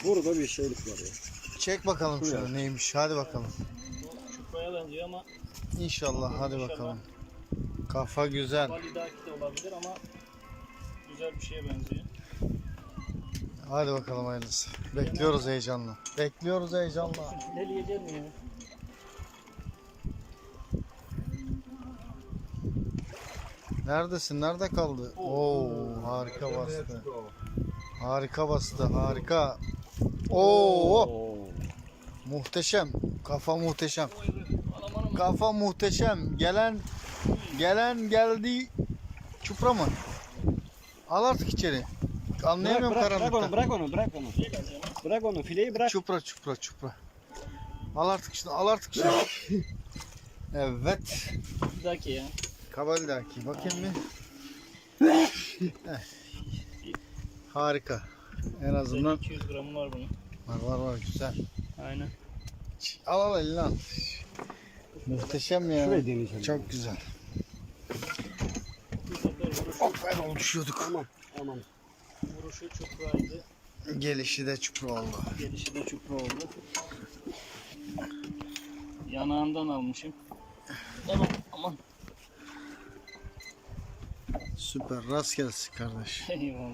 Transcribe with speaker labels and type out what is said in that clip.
Speaker 1: Burada bir şeylik var ya.
Speaker 2: Çek bakalım şunu neymiş. Hadi bakalım.
Speaker 3: Çupraya benziyor ama
Speaker 2: İnşallah hadi
Speaker 3: İnşallah.
Speaker 2: bakalım. Kafa güzel.
Speaker 3: validaki de olabilir ama güzel bir şeye benziyor.
Speaker 2: Hadi bakalım hayırlısı. Bekliyoruz heyecanla. Bekliyoruz heyecanla.
Speaker 3: Fileleyecek mi ya?
Speaker 2: Neredesin? Nerede kaldı? Oo, harika bastı. Harika bastı. Harika. Oo, muhteşem. Kafa muhteşem. Kafa muhteşem. Gelen geldi. Çupra mı? Al artık içeri. Anlayamıyorum karanlıkta.
Speaker 1: Bırak onu. Bırak onu, fileyi bırak.
Speaker 2: Çupra. Al artık şunu. Al artık şunu. Evet.
Speaker 3: Validaki ya.
Speaker 2: Kabaldaki. Bakayım bir. Harika. En azından
Speaker 3: 200 gramı var bunun.
Speaker 2: var güzel.
Speaker 3: Aynen.
Speaker 2: Al eline al. Muhteşem ya.
Speaker 1: Şurayı deneyeceğim.
Speaker 2: Çok güzel.
Speaker 3: Bu sefer
Speaker 2: Hop düşüyorduk.
Speaker 1: Aman.
Speaker 3: vuruşu çupraydı.
Speaker 2: Gelişi de çupra oldu.
Speaker 3: Gelişi de çupra oldu. Yanağından almışım. Aman.
Speaker 2: Süper. Rast gelsin kardeş.
Speaker 3: Eyvallah.